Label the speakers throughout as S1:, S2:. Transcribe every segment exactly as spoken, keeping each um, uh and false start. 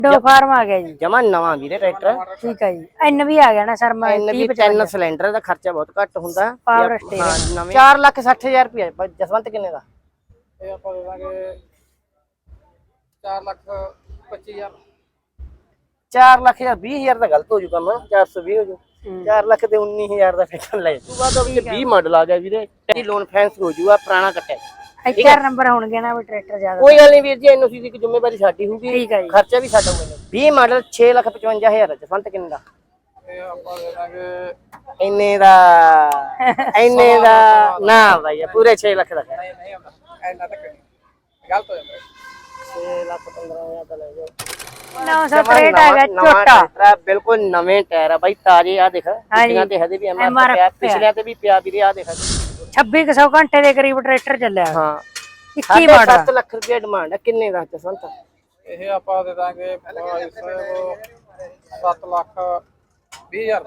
S1: दो फार्म आ गया जी
S2: जमा नवा वीरे ट्रैक्टर
S1: ठीक है जी एन भी आ गया ना सर मैं
S2: एन भी तीन सिलेंडर दा खर्चा बहुत घट हुंदा
S1: पावर
S2: हां
S1: स्टीयरिंग
S2: नवे चार लाख साठ हज़ार रुपया जसवंत किन्ने दा
S3: ਇਹ ਆਪਾਂ ਦੇ ਦਾਂਗੇ चार लाख पच्चीस हज़ार
S2: चार लाख यार बीस हज़ार दा गलत हो जू काम चार सौ बीस हो जू चार लाख ते उन्नीस हज़ार दा ट्रैक्टर ले तू बाद विच बीस मॉडल आ गया वीरे टी लोन फाइनेंस हो जूगा पुराना कट्टा
S1: चार नंबर होंगे ना वो ट्रैक्टर ज्यादा
S2: कोई गल नहीं वीर जी एनओसी दी जिम्मेवारी साडी होगी
S1: ठीक है जी
S2: खर्चा भी साडा होगा बीस मॉडल छह लाख पचवंजा हज़ार जसवंत किन्ने दा
S3: ਇਹ ਆਪਾਂ ਦੇ ਦਾਂਗੇ
S2: इन्ने दा इन्ने दा ना भाई पूरे छह लाख दा
S3: ਨਹੀਂ ਨਹੀਂ ਹੁੰਦਾ ਐਨਾ ਤੱਕ ਨਹੀਂ ਗਲਤ ਹੋ ਜਾਂਦਾ
S2: छह लाख पंद्रह हज़ार दा ले जाओ
S1: नौ सौ त्रेट आ गया छोटा
S2: ट्रैक्टर बिल्कुल नवे टायर है भाई ताजे आ देख पिछलियां ते हदे भी एमआर पे पिछलियां ते भी पिया वीरे आ देख
S1: छब्बीस सौ घंटे के करीब ट्रैक्टर चलिया
S2: हां
S1: इक्की मॉडल
S2: सात लाख रुपया डिमांड है किन्ने दा जसवंत
S3: ਇਹ ਆਪਾਂ ਦੇ ਦਾਂਗੇ सत्त लाख बीस हज़ार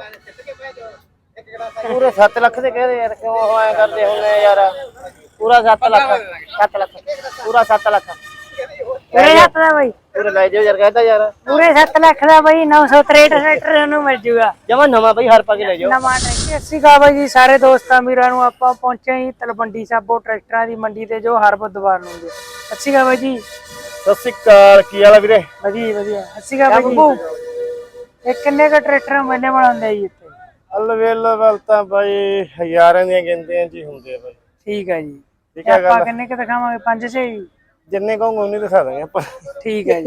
S3: ਦਾ
S2: पूरे सात लाख दे कह रहे यार क्यों होया करदे हुने यार पूरा सात लाख सात लाख पूरा सात लाख
S1: पूरे सात दा भाई
S2: पूरे ले जाओ यार कहता यार
S1: पूरे सात लाख दा भाई नौ सौ त्रेट ट्रैक्टर ਨੂੰ ਮਿਲ ਜੂਗਾ
S2: जमा नवा भाई हर पा के ले जाओ
S1: ਨਵਾਂ ਟਰੈਕਟਰ ਅਸੀਂ ਕਹਾ ਬਾਈ ਜੀ ਸਾਰੇ ਦੋਸਤਾਂ ਵੀਰਾਂ ਨੂੰ ਆਪਾਂ ਪਹੁੰਚੇ ਹੀ ਤਲਵੰਡੀ ਸਾਬੋ ਟਰੈਕਟਰਾਂ ਦੀ ਮੰਡੀ ਤੇ ਜੋ ਹਰ ਬੁੱਧਵਾਰ ਨੂੰ ਹੁੰਦੀ ਅਸੀਂ ਕਹਾ ਬਾਈ ਜੀ
S2: ਸਤਿ ਸ਼੍ਰੀ ਅਕਾਲ ਕੀ ਹਾਲ ਆ ਵੀਰੇ
S1: ਵਧੀਆ ਵਧੀਆ ਅਸੀਂ ਕਹਾ ਬਾਈ ਜੀ ਇਹ ਕਿੰਨੇ ਕ ਟਰੈਕਟਰ ਮੈਨੇ ਬਣਾਉਂਦੇ ਜੀ ਇੱਥੇ
S2: ਅਲਵੇਲੇਬਲ ਤਾਂ ਬਾਈ ਹਜ਼ਾਰਾਂ ਦੀਆਂ ਗਿਣਤੀਆਂ ਜੀ ਹੁੰਦੇ ਆ ਬਾਈ
S1: ਠੀਕ ਹੈ ਜੀ
S2: ਠੀਕ ਹੈ
S1: ਆਪਾਂ ਕਿੰਨੇ ਕ ਦਿਖਾਵਾਂਗੇ ਪੰਜ ਛੇ ਜੀ
S2: ਜਿੰਨੇ ਕਹੋਗੇ ਉਨੇ ਦਿਖਾ ਦਾਂਗੇ ਆਪਾਂ
S1: ਠੀਕ ਹੈ ਜੀ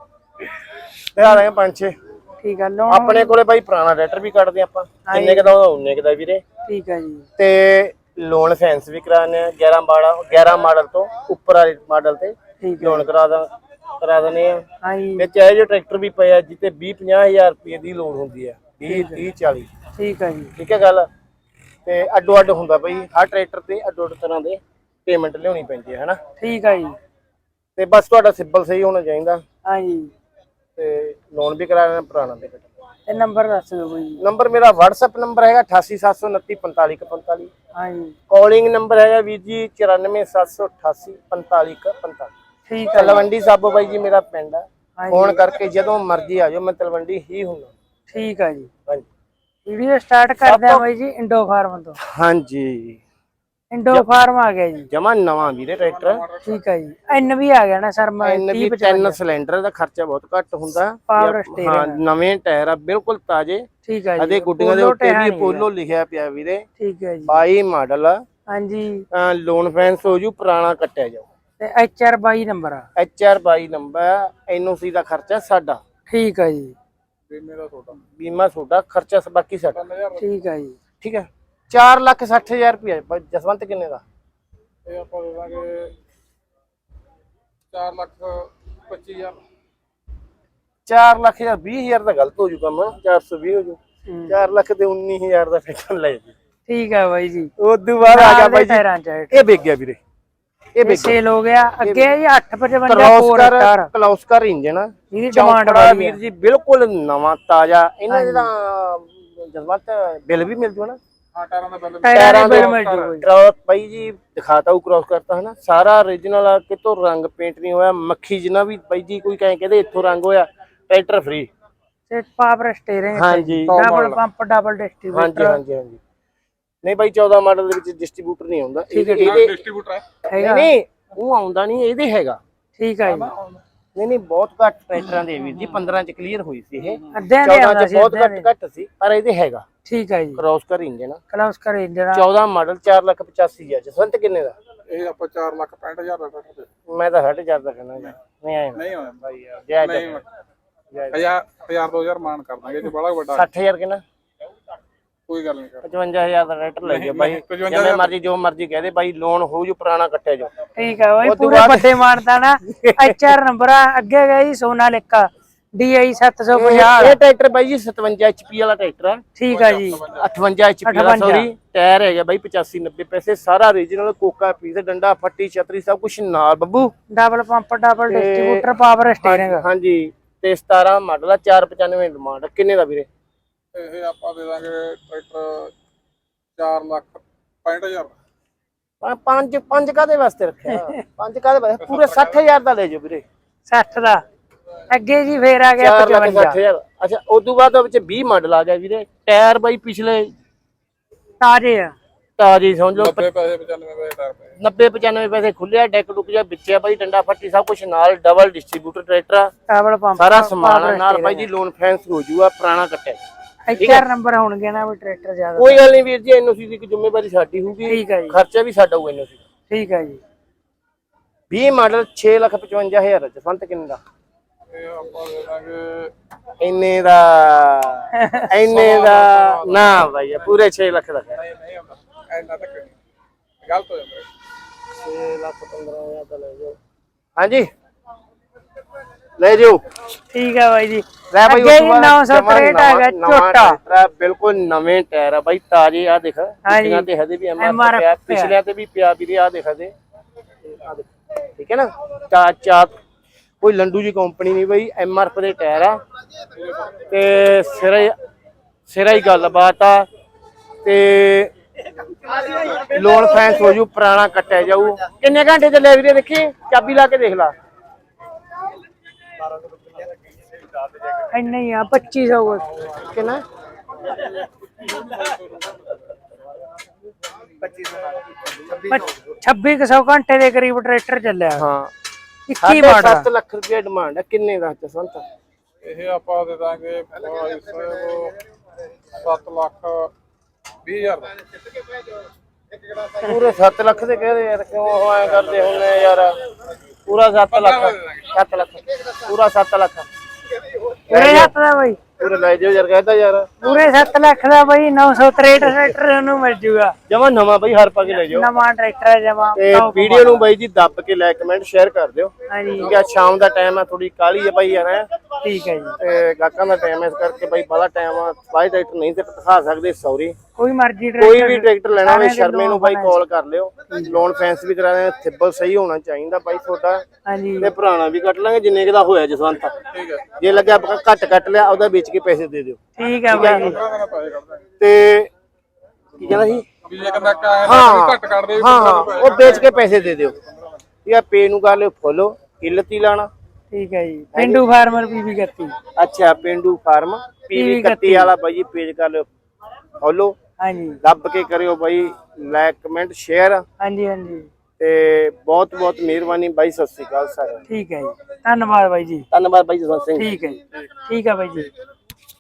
S2: ਦਿਖਾ ਦਾਂਗੇ ਪੰਜ ਛੇ
S1: ਠੀਕ ਹੈ ਲੋਨ
S2: ਆਪਣੇ ਕੋਲੇ ਬਾਈ ਪੁਰਾਣਾ ਟਰੈਕਟਰ ਵੀ ਕੱਢਦੇ ਆਪਾਂ ਜਿੰਨੇ ਕਦਾ ਉਨੇ ਕਦਾ ਵੀਰੇ
S1: ਠੀਕ ਹੈ ਜੀ
S2: ਤੇ ਲੋਨ ਫੈਂਸ ਵੀ ਕਰਾਣੇ ਆ ਗਿਆਰਾਂ ਮਾਡਲ ਗਿਆਰਾਂ ਮਾਡਲ ਤੋਂ ਉੱਪਰ ਵਾਲੇ ਮਾਡਲ ਤੇ ਲੋਨ ਕਰਾ ਦਾਂ ਕਰਾ ਦਨੇ ਆ
S1: ਹਾਂਜੀ
S2: ਵਿੱਚ ਇਹ ਜੋ ਟਰੈਕਟਰ ਵੀ ਪਿਆ ਜਿੱਤੇ ਵੀਹ ਪੰਜਾਹ ਹਜ਼ਾਰ ਰੁਪਏ ਦੀ ਲੋਨ ਹੁੰਦੀ ਆ ਵੀਹ ਤੀਹ ਚਾਲੀ
S1: ਠੀਕ ਹੈ ਜੀ
S2: ਠੀਕ ਹੈ ਗੱਲ ਤੇ ਅੱਡੋ ਅੱਡ ਹੁੰਦਾ ਬਈ ਹਰ ਟਰੈਕਟਰ ਤੇ ਅੱਡੋ ਅੱਡ ਤਰ੍ਹਾਂ ਦੇ ਪੇਮੈਂਟ ਲਿਆਉਣੀ ਪੈਂਦੀ ਹੈ ਹਨਾ
S1: ਠੀਕ ਹੈ ਜੀ
S2: ਤੇ ਬਸ ਤੁਹਾਡਾ ਸਿੰਬਲ ਸਹੀ ਹੋਣਾ ਚਾਹੀਦਾ
S1: ਹਾਂਜੀ
S2: ਤੇ ਲੋਨ ਵੀ ਕਰਾ ਲੈਣਾ ਪੁਰਾਣਾ ਤੇ
S1: ਤੇ ਨੰਬਰ ਦੱਸ ਦਿਓ ਬਾਈ
S2: ਨੰਬਰ ਮੇਰਾ WhatsApp ਨੰਬਰ ਹੈਗਾ ਅਠਾਸੀ ਸੱਤ ਸੌ ਉਨੱਤੀ ਪੰਤਾਲੀ ਇੱਕ ਪੰਤਾਲੀ
S1: ਹਾਂਜੀ
S2: ਕਾਲਿੰਗ ਨੰਬਰ ਹੈਗਾ ਵੀਰ ਜੀ ਚੁਰਾਨਵੇਂ ਸੱਤ ਸੌ ਅਠਾਸੀ ਪੰਤਾਲੀ ਇੱਕ ਪੰਤਾਲੀ
S1: ਠੀਕ ਹੈ
S2: ਤਲਵੰਡੀ ਸਾਬੋ ਬਾਈ ਜੀ ਮੇਰਾ ਪਿੰਡ ਆ
S1: ਹਾਂਜੀ
S2: ਫੋਨ ਕਰਕੇ ਜਦੋਂ ਮਰਜ਼ੀ ਆ ਜਾਓ ਮੈਂ ਤਲਵੰਡੀ ਹੀ ਹੁੰਦਾ
S1: ਠੀਕ ਹੈ ਜੀ
S2: ਹਾਂਜੀ
S1: ਵੀਡੀਓ ਸਟਾਰਟ ਕਰਦੇ ਆ ਬਾਈ ਜੀ ਇੰਡੋ ਫਾਰਮ ਤੋਂ
S2: ਹਾਂਜੀ
S1: ਇੰਡੋ ਫਾਰਮ ਆ ਗਿਆ ਜੀ
S2: ਜਮਾ ਨਵਾਂ ਵੀਰੇ ਟਰੈਕਟਰ
S1: ਠੀਕ ਹੈ ਜੀ ਐਨ ਵੀ ਆ ਗਿਆ ਨਾ ਸਰ ਮੈਂ
S2: ਐਨ ਵੀ ਤਿੰਨ ਸਿਲੰਡਰ ਦਾ ਖਰਚਾ ਬਹੁਤ ਘੱਟ ਹੁੰਦਾ
S1: ਪਾਵਰ
S2: ਹਾਂ
S1: ਸਟੀਅਰਿੰਗ
S2: ਨਵੇਂ ਟਾਇਰ ਆ ਬਿਲਕੁਲ ਤਾਜ਼ੇ
S1: ਠੀਕ ਹੈ ਜੀ
S2: ਅਦੇ ਗੁੱਡੀਆਂ ਦੇ ਉੱਤੇ ਵੀ ਪੋਲੋ ਲਿਖਿਆ ਪਿਆ ਵੀਰੇ
S1: ਠੀਕ ਹੈ ਜੀ
S2: ਬਾਈ ਮਾਡਲ ਆ
S1: ਹਾਂਜੀ
S2: ਲੋਨ ਫੈਂਸ ਹੋ ਜੂ ਪੁਰਾਣਾ ਕੱਟਿਆ ਜਾਓ
S1: ਤੇ ਐਚ ਆਰ ਬਾਈ ਨੰਬਰ ਆ
S2: ਐਚ ਆਰ ਬਾਈ ਨੰਬਰ ਐਨਓਸੀ ਦਾ ਖਰਚਾ ਸਾਡਾ
S1: ਠੀਕ ਹੈ ਜੀ
S3: ਬੀਮੇ ਦਾ ਛੋਟਾ
S2: ਬੀਮਾ ਤੁਹਾਡਾ ਖਰਚਾ ਬਾਕੀ ਸਾਡਾ
S1: ਠੀਕ ਹੈ ਜੀ
S2: ਠੀਕ ਹੈ ਚਾਰ ਲੱਖ ਸੱਠ ਹਜ਼ਾਰ ਰੁਪਇਆ ਜਸਵੰਤ ਕਿੰਨੇ ਦਾ
S3: ਇਹ ਆਪਾਂ ਦੇ ਦਾਂਗੇ ਚਾਰ ਲੱਖ ਪੱਚੀ ਹਜ਼ਾਰ
S2: ਚਾਰ ਲੱਖ ਜਾਂ ਵੀਹ ਹਜ਼ਾਰ ਦਾ ਗਲਤ ਹੋ ਜੂ ਕੰਮ ਚਾਰ ਸੌ ਵੀਹ ਹੋ ਜੂ ਚਾਰ ਲੱਖ ਤੇ ਉੱਨੀ ਹਜ਼ਾਰ ਦਾ ਟਰੈਕਟਰ ਲੈ ਜੀ
S1: ਠੀਕ ਹੈ ਬਾਈ ਜੀ
S2: ਉਦੋਂ ਬਾਅਦ ਆ ਗਿਆ ਬਾਈ ਜੀ
S1: ਟਾਇਰਾਂ ਚ
S2: ਇਹ ਵਿਕ ਗਿਆ ਵੀਰੇ ਇਹ ਵਿਕ
S1: ਸੇਲ ਹੋ ਗਿਆ ਅੱਗੇ ਜੀ ਅੱਠ ਪਚਵੰਜਾ
S2: ਕਲੌਸਕਰ ਕਲੌਸਕਰ ਇੰਜਨ
S1: ਇਹਦੀ ਡਿਮਾਂਡ
S2: ਬੜਾ ਵੀਰ ਜੀ ਬਿਲਕੁਲ ਨਵਾਂ ਤਾਜ਼ਾ ਇਹਨਾਂ ਦਾ ਜਸਵੰਤ ਬਿੱਲ ਵੀ ਮਿਲ ਜੂ ਨਾ
S3: ਹਾਂ ਟਾਇਰਾਂ ਦਾ ਬਿੱਲ
S1: ਟਾਇਰਾਂ ਦੇ ਬਿੱਲ ਮਿਲ ਜੂ
S2: ਕ੍ਰੋਸ ਬਾਈ ਜੀ ਦਿਖਾਤਾ ਉਹ ਕ੍ਰੋਸ ਕਰਤਾ ਹਨਾ ਸਾਰਾ origignal ਆ ਕਿਤੋਂ ਰੰਗ ਪੇਂਟ ਨਹੀਂ ਹੋਇਆ ਮੱਖੀ ਜਿੰਨਾ ਵੀ ਬਾਈ ਜੀ ਕੋਈ ਕਹੇ ਕਹਿੰਦੇ ਇੱਥੋਂ ਰੰਗ ਹੋਇਆ ਟਰੈਕਟਰ ਫ੍ਰੀ
S1: ਤੇ ਪਾਵਰ ਸਟੀਅਰਿੰਗ
S2: ਹਾਂਜੀ
S1: ਡਬਲ ਪੰਪ ਡਬਲ ਡਿਸਟ੍ਰੀਬਿਊਟਰ
S2: ਹਾਂਜੀ ਹਾਂਜੀ ਨਹੀਂ ਬਾਈ ਚੌਦਾਂ ਮਾਡਲ ਦੇ ਵਿੱਚ ਡਿਸਟ੍ਰੀਬਿਊਟਰ ਨਹੀਂ ਆਉਂਦਾ ਇਹਦੇ
S3: ਡਿਸਟ੍ਰੀਬਿਊਟਰ ਹੈ
S1: ਹੈਗਾ
S2: ਨਹੀਂ ਉਹ ਆਉਂਦਾ ਨਹੀਂ ਇਹਦੇ ਹੈਗਾ
S1: ਠੀਕ ਹੈ ਜੀ
S2: ਨਹੀਂ ਨਹੀਂ ਬਹੁਤ ਘੱਟ ਟਰੈਕਟਰਾਂ ਦੇ ਵੀਰ ਜੀ ਪੰਦਰਾਂ ਚ ਕਲੀਅਰ ਹੋਈ ਸੀ ਇਹ
S1: ਅੱਧਿਆਂ ਦੇ
S2: ਚੌਦਾਂ
S1: ਆਉਂਦਾ
S2: ਚ
S1: ਸੀ
S2: ਬਹੁਤ ਘੱਟ ਘੱਟ ਸੀ ਪਰ ਇਹਦੇ ਹੈਗਾ
S1: ਠੀਕ ਹੈ ਜੀ
S2: ਕ੍ਰੋਸ ਕਰ ਇੰਜਨ
S1: ਕਲਾਸ ਕਰੇ ਜਰਾ
S2: ਚੌਦਾਂ ਮਾਡਲ ਚਾਰ ਲੱਖ ਪਚਾਸੀ ਹਜ਼ਾਰ ਜਸਵੰਤ ਕਿੰਨੇ ਦਾ
S3: ਇਹ ਆਪਾਂ ਚਾਰ ਲੱਖ ਪੈਂਹਠ ਹਜ਼ਾਰ ਦਾ ਟਰੈਕਟਰ
S2: ਮੈਂ ਤਾਂ ਸਾਢੇ ਚਾਰ ਦਾ ਕਹਿੰਦਾ ਯਾਰ ਨਹੀਂ ਆਇਆ
S3: ਨਹੀਂ ਹੋਇਆ
S2: ਬਾਈ ਯਾਰ ਜੈ ਜੈ
S3: ਹਜ਼ਾਰ ਹਜ਼ਾਰ ਦੋ ਹਜ਼ਾਰ ਮਾਨ ਕਰ ਦਾਂਗੇ ਜੇ ਬੜਾ ਵੱਡਾ
S2: ਸੱਠ ਹਜ਼ਾਰ ਕਿੰਨਾ
S3: ਕੋਈ ਗੱਲ ਨਹੀਂ ਕਰ
S2: ਪਚਵੰਜਾ ਹਜ਼ਾਰ ਦਾ ਟਰੈਕਟਰ ਲੈ ਗਿਆ ਬਾਈ ਜਿਵੇਂ ਮਰਜੀ ਜੋ ਮਰਜੀ ਕਹਦੇ ਬਾਈ ਲੋਨ ਹੋ ਜੂ ਪੁਰਾਣਾ ਕੱਟਿਆ ਜੋ
S1: ਠੀਕ ਹੈ ਬਾਈ ਪੂਰੇ ਵੱਡੇ ਮਾਨਤਾ ਨਾ ਐਚ ਆਰ ਨੰਬਰ ਆ ਅੱਗੇ ਗਿਆ ਜੀ ਸੋਨਾਲਿਕਾ ਡੀ ਆਈ ਸੱਤ ਸੌ ਪੰਜਾਹ
S2: ਇਹ ਟਰੈਕਟਰ ਬਾਈ ਜੀ ਸਤਵੰਜਾ ਐਚਪੀ ਵਾਲਾ ਟਰੈਕਟਰ ਆ
S1: ਠੀਕ ਹੈ ਜੀ
S2: ਅਠਵੰਜਾ ਐਚਪੀ ਵਾਲਾ ਸੌਰੀ ਟਾਇਰ ਹੈਗਾ ਬਾਈ ਪਚਾਸੀ ਨੱਬੇ ਪੈਸੇ ਸਾਰਾ origignal ਕੋਕਾ ਪੀਸ ਡੰਡਾ ਫੱਟੀ ਛਤਰੀ ਸਭ ਕੁਝ ਨਾਲ ਬੱਬੂ
S1: double pump double distributor power steering
S2: ਹਾਂਜੀ ਤੇ ਸਤਾਰਾਂ ਮਾਡਲ ਆ ਚਾਰ ਪਚਾਨਵੇਂ ਡਿਮਾਂਡ ਕਿੰਨੇ ਦਾ ਵੀਰੇ
S3: ਇਹ ਆਪਾਂ ਦੇ ਦਾਂਗੇ ਟਰੈਕਟਰ ਚਾਰ ਲੱਖ ਪੈਂਹਠ ਹਜ਼ਾਰ
S2: ਪੰਜ ਪੰਜ ਕਾਦੇ ਵਾਸਤੇ ਰੱਖਿਆ ਪੰਜ ਕਾਦੇ ਵਾਸਤੇ ਪੂਰੇ ਸੱਠ ਹਜ਼ਾਰ ਦਾ ਲੈ ਜਾਓ ਵੀਰੇ
S1: ਸੱਠ ਦਾ ਅੱਗੇ ਜੀ ਫੇਰ ਆ ਗਿਆ
S2: ਚਾਰ ਲੱਖ
S1: ਪਚਵੰਜਾ।
S2: ਸੱਠ ਹਜ਼ਾਰ। ਅੱਛਾ ਉਸ ਤੋਂ ਬਾਅਦ ਵਿੱਚ ਵੀਹ ਮਾਡਲ ਆ ਗਿਆ ਵੀਰੇ। ਟਾਇਰ ਬਾਈ ਪਿਛਲੇ
S1: ਤਾਜ਼ੇ ਆ।
S2: ਤਾਜ਼ੀ ਸਮਝ ਲਓ
S3: ਨੱਬੇ ਪੈਸੇ ਪਚਾਨਵੇਂ ਪੈਸੇ ਟਾਇਰ ਪਏ।
S2: ਨੱਬੇ ਪਚਾਨਵੇਂ ਪੈਸੇ ਖੁੱਲਿਆ, ਡੈਕ ਡੁੱਕ ਜਿਹਾ ਵਿੱਚਿਆ ਬਾਈ, ਡੰਡਾ ਫੱਟੀ ਸਭ ਕੁਝ ਨਾਲ, ਡਬਲ ਡਿਸਟ੍ਰੀਬਿਊਟਰ ਟਰੈਕਟਰ ਆ,
S1: ਡਬਲ ਪੰਪ
S2: ਸਾਰਾ ਸਮਾਨ ਆ ਨਾਲ ਬਾਈ ਜੀ। ਲੋਨ ਫੈਂਸ ਹੋ ਜੂਗਾ, ਪੁਰਾਣਾ ਕੱਟਿਆ।
S1: ਚਾਰ ਨੰਬਰ ਹੋਣਗੇ ਨਾ ਵੀ ਟਰੈਕਟਰ ਜ਼ਿਆਦਾ।
S2: ਕੋਈ ਗੱਲ ਨਹੀਂ ਵੀਰ ਜੀ, ਐਨਓਸੀ ਦੀ ਜ਼ਿੰਮੇਵਾਰੀ ਸਾਡੀ ਹੋਊਗੀ,
S1: ਠੀਕ ਹੈ ਜੀ,
S2: ਖਰਚਾ ਵੀ ਸਾਡਾ ਹੋਊਗਾ ਐਨਓਸੀ।
S1: ਠੀਕ ਹੈ ਜੀ।
S2: ਵੀਹ ਮਾਡਲ ਛੇ ਲੱਖ ਪਚਵੰਜਾ ਹਜ਼ਾਰ। ਜਸਵੰਤ ਕਿੰਨੇ ਦਾ?
S3: ਇਹ ਆਪਾਂ ਦੇ ਦਾਂਗੇ
S2: ਇੰਨੇ ਦਾ ਇੰਨੇ ਦਾ ਨਾ ਬਾਈ, ਪੂਰੇ ਛੇ ਲੱਖ ਦਾ ਹੈ।
S3: ਨਹੀਂ ਨਹੀਂ ਹੁੰਦਾ ਐਨਾ ਤੱਕ ਨਹੀਂ, ਗਲਤ ਹੋ ਜਾਂਦਾ।
S2: ਛੇ ਲੱਖ ਪੰਦਰਾਂ ਹਜ਼ਾਰ ਦਾ ਲੈ ਜਾਓ। ਹਾਂਜੀ ਲੈ ਜਾਓ।
S1: ਠੀਕ ਹੈ ਬਾਈ ਜੀ।
S2: ਲੈ ਬਾਈ
S1: ਅੱਗੇ ਜੀ ਨੌ ਸੌ ਤਰੇਹਠ ਆ ਗਿਆ ਝੋਟਾ,
S2: ਬਿਲਕੁਲ ਨਵੇਂ ਟਾਇਰ ਆ ਬਾਈ, ਤਾਜ਼ੇ ਆ ਦੇਖ। ਪਿਛਲਿਆਂ ਤੇ ਹਦੇ ਵੀ ਐਮਆਰ ਪਿਆ, ਪਿਛਲਿਆਂ ਤੇ ਵੀ ਪਿਆ ਵੀਰੇ, ਆ ਦੇਖ ਹਦੇ। ਠੀਕ ਹੈ ਨਾ, ਚਾ ਚਾ ਕੋਈ ਲੰਡੂ ਜੀ ਕੰਪਨੀ ਨਹੀਂ ਬਾਈ, ਐਮਆਰਐਫ ਦੇ ਟਾਇਰ ਆ ਤੇ ਸਿਰਾ ਹੀ ਸਿਰਾ ਹੀ ਗੱਲਬਾਤ ਆ। ਤੇ ਲੋਨ ਫੈਂਸ ਹੋ ਜੂ, ਪੁਰਾਣਾ ਕੱਟਿਆ ਜਾਊ। ਕਿੰਨੇ ਘੰਟੇ ਚੱਲਿਆ ਵੀਰੇ? ਦੇਖੀ ਚਾਬੀ ਲਾ ਕੇ ਦੇਖ ਲਾ।
S1: ਇੰਨਾ ਹੀ ਆ, ਪੱਚੀ ਸੌ
S2: ਕਿੰਨਾ?
S1: ਛੱਬੀ ਸੌ ਘੰਟੇ ਦੇ ਕਰੀਬ ਟਰੈਕਟਰ ਚੱਲਿਆ।
S2: ਹਾਂ,
S1: ਇੱਕੀ ਮਾਡਲ।
S2: ਸੱਤ ਲੱਖ ਰੁਪਏ ਡਿਮਾਂਡ ਹੈ। ਕਿੰਨੇ ਦਾ ਜਸਵੰਤ?
S3: ਇਹ ਆਪਾਂ ਦੇ ਦਾਂਗੇ ਭਾਈ ਸਾਹਿਬ ਸੱਤ ਲੱਖ ਵੀਹ ਹਜ਼ਾਰ ਦਾ।
S2: ਪੂਰੇ ਸੱਤ ਲੱਖ ਦੇ ਕਹਦੇ ਯਾਰ, ਕਿਉਂ ਐ ਕਰਦੇ ਹੁੰਦੇ ਯਾਰ? ਪੂਰਾ ਸੱਤ ਲੱਖ, ਸੱਤ ਲੱਖ, ਪੂਰਾ ਸੱਤ ਲੱਖ
S1: ਪੂਰੇ ਸੱਤ ਦਾ ਬਾਈ,
S2: ਪੂਰੇ ਲੈ ਜਾਓ ਯਾਰ, ਕਹਿੰਦਾ ਯਾਰ
S1: ਪੂਰੇ ਸੱਤ ਲੱਖ ਦਾ ਬਾਈ। ਨੌ ਸੌ ਤਰੇਹਠ ਟਰੈਕਟਰ ਉਹਨੂੰ ਮਿਲ ਜੂਗਾ,
S2: ਜਮਾ ਨਵਾਂ ਬਾਈ, ਹਰ ਪਾ ਕੇ ਲੈ ਜਾਓ।
S1: ਨਵਾਂ ਟਰੈਕਟਰ ਹੈ ਜਮਾ।
S2: ਤੇ ਵੀਡੀਓ ਨੂੰ ਬਾਈ ਜੀ ਦੱਬ ਕੇ ਲਾਈਕ ਕਮੈਂਟ ਸ਼ੇਅਰ ਕਰ ਦਿਓ।
S1: ਹਾਂਜੀ
S2: ਠੀਕ ਹੈ, ਸ਼ਾਮ ਦਾ ਟਾਈਮ ਹੈ, ਥੋੜੀ ਕਾਹਲੀ ਹੈ ਬਾਈ ਯਾਰ।
S1: ਠੀਕ ਹੈ ਜੀ।
S2: ਤੇ ਗਾਹਕਾਂ ਦਾ ਟਾਈਮ ਹੈ, ਇਸ ਕਰਕੇ ਬਾਈ ਬੜਾ ਟਾਈਮ ਆ। ਬਾਈ ਟਰੈਕਟਰ ਨਹੀਂ ਤੇ ਦਿਖਾ ਸਕਦੇ, ਸੌਰੀ।
S1: ਕੋਈ ਮਰਜ਼ੀ
S2: ਕੋਈ ਵੀ ਟਰੈਕਟਰ ਲੈਣਾ ਹੋਵੇ ਸ਼ਰਮੇ ਨੂੰ ਬਾਈ ਕਾਲ ਕਰ ਲਿਓ। ਲੋਨ ਫੈਂਸ ਵੀ ਕਰਾ ਦੇਣਾ, ਥਿੱਬਲ ਸਹੀ ਹੋਣਾ ਚਾਹੀਦਾ ਬਾਈ ਤੁਹਾਡਾ।
S1: ਹਾਂਜੀ
S2: ਤੇ ਪੁਰਾਣਾ ਵੀ ਕੱਟ ਲਾਂਗੇ ਜਿੰਨੇ ਦਾ ਹੋਇਆ ਜਸਵੰਤ।
S3: ਠੀਕ ਹੈ,
S2: ਜੇ ਲੱਗਿਆ ਘੱਟ ਕੱਟ ਲਿਆ, ਉਹਦਾ ਵੇਚ ਕੇ ਪੈਸੇ ਦੇ ਦਿਓ।
S1: ਠੀਕ ਹੈ ਬਾਈ ਜੀ।
S3: ਪੈਸੇ ਕੱਢ ਦਾਂਗੇ।
S2: ਤੇ ਕੀ ਕਹਿੰਦਾ ਸੀ?
S3: ਵੀ ਜੇ ਕਹਿੰਦਾ ਕਾਇਆ
S2: ਹਾਂ
S3: ਘੱਟ ਕੱਢਦੇ
S2: ਹਾਂ ਹਾਂ, ਉਹ ਵੇਚ ਕੇ ਪੈਸੇ ਦੇ ਦਿਓ। ਠੀਕ ਹੈ, ਪੇ ਨੂੰ ਕਰ ਲਿਓ ਫੋਲੋ, ਕਿੱਲਤ ਹੀ ਲਾਣਾ।
S1: ਠੀਕ ਹੈ ਜੀ। ਪਿੰਡੂ ਫਾਰਮਰ ਪੀਵੀ ਇਕੱਤੀ।
S2: ਅੱਛਾ, ਪਿੰਡੂ ਫਾਰਮ ਪੀਵੀ ਇਕੱਤੀ ਵਾਲਾ ਬਾਈ ਜੀ ਪੇਜ ਕਰ ਲਿਓ ਫੋਲੋ।
S1: ਹਾਂਜੀ,
S2: ਦੱਬ ਕੇ ਕਰਿਓ ਬਾਈ ਲਾਈਕ ਕਮੈਂਟ ਸ਼ੇਅਰ।
S1: ਹਾਂਜੀ ਹਾਂਜੀ।
S2: ਤੇ ਬਹੁਤ ਬਹੁਤ ਮਿਹਰਬਾਨੀ ਬਾਈ, ਸਤਿ ਸ੍ਰੀ ਅਕਾਲ ਸਾਰਿਆਂ ਨੂੰ।
S1: ਠੀਕ ਹੈ ਜੀ, ਧੰਨਵਾਦ ਬਾਈ ਜੀ।
S2: ਧੰਨਵਾਦ ਬਾਈ ਜਸਵੰਤ ਸਿੰਘ।
S1: ਠੀਕ ਹੈ ਜੀ, ਠੀਕ ਹੈ ਬਾਈ ਜੀ।